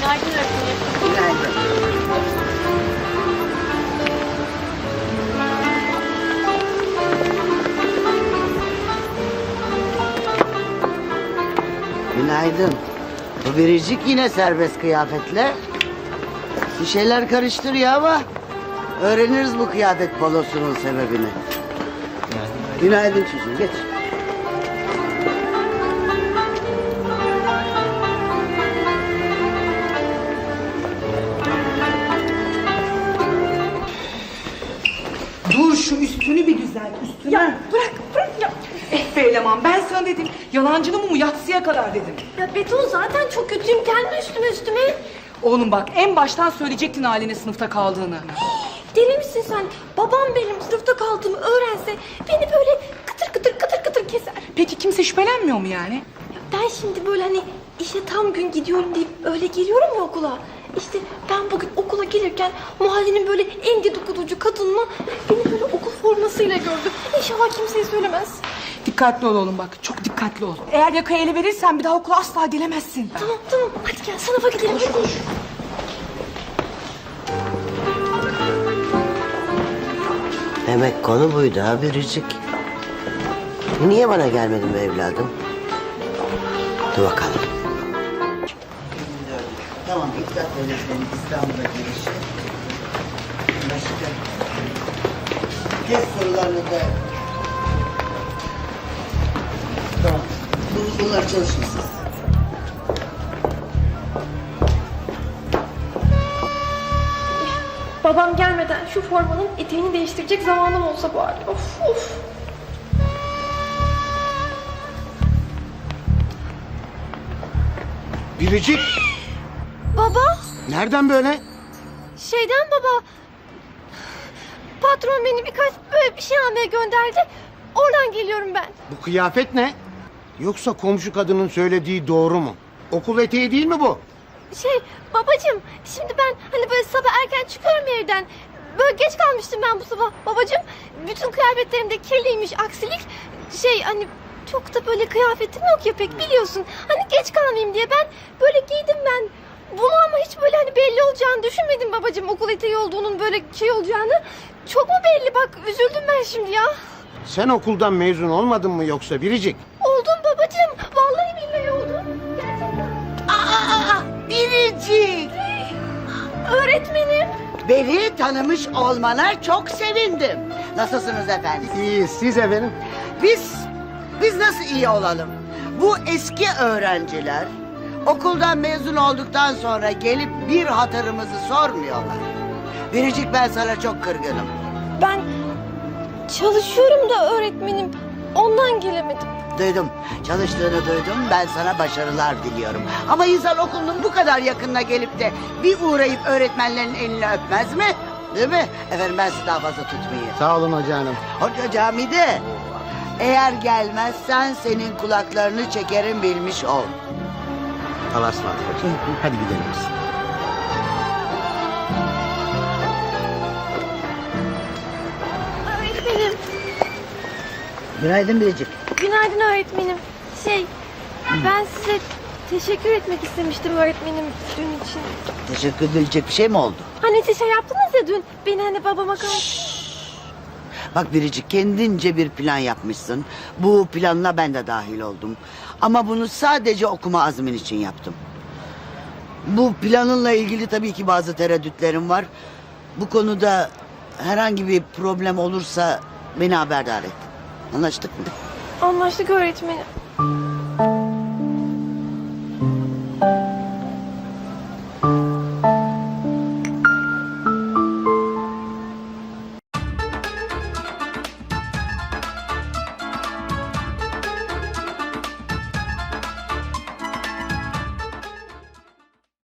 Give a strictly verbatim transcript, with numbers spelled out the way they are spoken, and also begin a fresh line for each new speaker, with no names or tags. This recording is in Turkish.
Günaydın öğretmenim.
Günaydın. Günaydın. Bu biricik yine serbest kıyafetle. Bir şeyler karıştırıyor ama öğreniriz bu kıyafet balosunun sebebini. Günaydın çocuğum, geç.
Dur şu üstünü bir düzelt, üstünü.
Ya bırak bırak ya.
Eh be eleman, ben sana dedim. Yalancının mumu yatsıya kadar dedim.
Ya Beton zaten çok kötüyüm. Gelme üstüme üstüme.
Oğlum bak, en baştan söyleyecektin haline sınıfta kaldığını.
Deli misin sen? Babam benim sınıfta kaldığımı öğrense beni böyle kıtır kıtır kıtır kıtır keser.
Peki kimse şüphelenmiyor mu yani?
Ya ben şimdi böyle hani işe tam gün gidiyorum deyip öyle geliyorum ya okula. İşte ben bugün okula gelirken mahallenin böyle en dedikoducu kadınla beni böyle okul formasıyla gördü. İnşallah kimseye söylemez.
Dikkatli ol oğlum bak, çok dikkatli ol. Eğer yakayı ele verirsen bir daha okula asla gelemezsin.
Tamam tamam hadi gel sınıfa gidelim. Hadi.
Demek konu buydu ha biricik. Niye bana gelmedin be evladım? Dur bakalım. Tamam, İktat öğretmenin İstanbul'a gelişi. Başka. Test sorularını da... Tamam. Bu- Bunlar çalışın siz.
Babam gelmeden şu formanın eteğini değiştirecek zamanım olsa bari. Of of.
Biricik,
Baba,
nereden böyle?
şeyden baba. Patron beni birkaç böyle bir şey almaya gönderdi. Oradan geliyorum ben.
Bu kıyafet ne? Yoksa komşu kadının söylediği doğru mu? Okul eteği değil mi bu?
Şey babacığım, şimdi ben hani böyle sabah erken çıkıyorum evden. Böyle geç kalmıştım ben bu sabah babacığım. Bütün kıyafetlerim de kirliymiş, aksilik. Şey hani çok da böyle kıyafetim yok ya pek biliyorsun. Hani geç kalmayayım diye ben böyle giydim ben. Bunu ama hiç böyle hani belli olacağını düşünmedim babacığım. Okul eteği olduğunun böyle şey olacağını. Çok mu belli bak üzüldüm ben şimdi ya.
Sen okuldan mezun olmadın mı yoksa Biricik?
Oldum babacığım. Vallahi billahi oldum. Gerçekten.
Aa, biricik.
Öğretmenim.
Beni tanımış olmana çok sevindim. Nasılsınız efendim?
İyi, siz efendim?
Biz, biz nasıl iyi olalım? Bu eski öğrenciler okuldan mezun olduktan sonra gelip bir hatırımızı sormuyorlar. Biricik, ben sana çok kırgınım.
Ben çalışıyorum da öğretmenim. Ondan gelemedim.
Duydum, çalıştığını duydum. Ben sana başarılar diliyorum. Ama insan okulunun bu kadar yakınına gelip de bir uğrayıp öğretmenlerin elini öpmez mi? Değil mi? Efendim, ben sizi daha fazla tutmayayım.
Sağ olun hoca hanım.
Hoca camide. Eğer gelmezsen senin kulaklarını çekerim, bilmiş ol.
Allah'a ısmarladık hocam. Hadi gidelim biz.
Öğretmenim.
Günaydın Biricik.
Günaydın öğretmenim. Şey, ben size teşekkür etmek istemiştim öğretmenim dün için.
Teşekkür edilecek bir şey mi oldu?
Hani siz şey yaptınız ya dün. Beni hani babama karşı...
Bak Biricik, kendince bir plan yapmışsın. Bu planla ben de dahil oldum. Ama bunu sadece okuma azmin için yaptım. Bu planınla ilgili tabii ki bazı tereddütlerim var. Bu konuda herhangi bir problem olursa beni haberdar et. Anlaştık mı?
Anlaştık öğretmenim.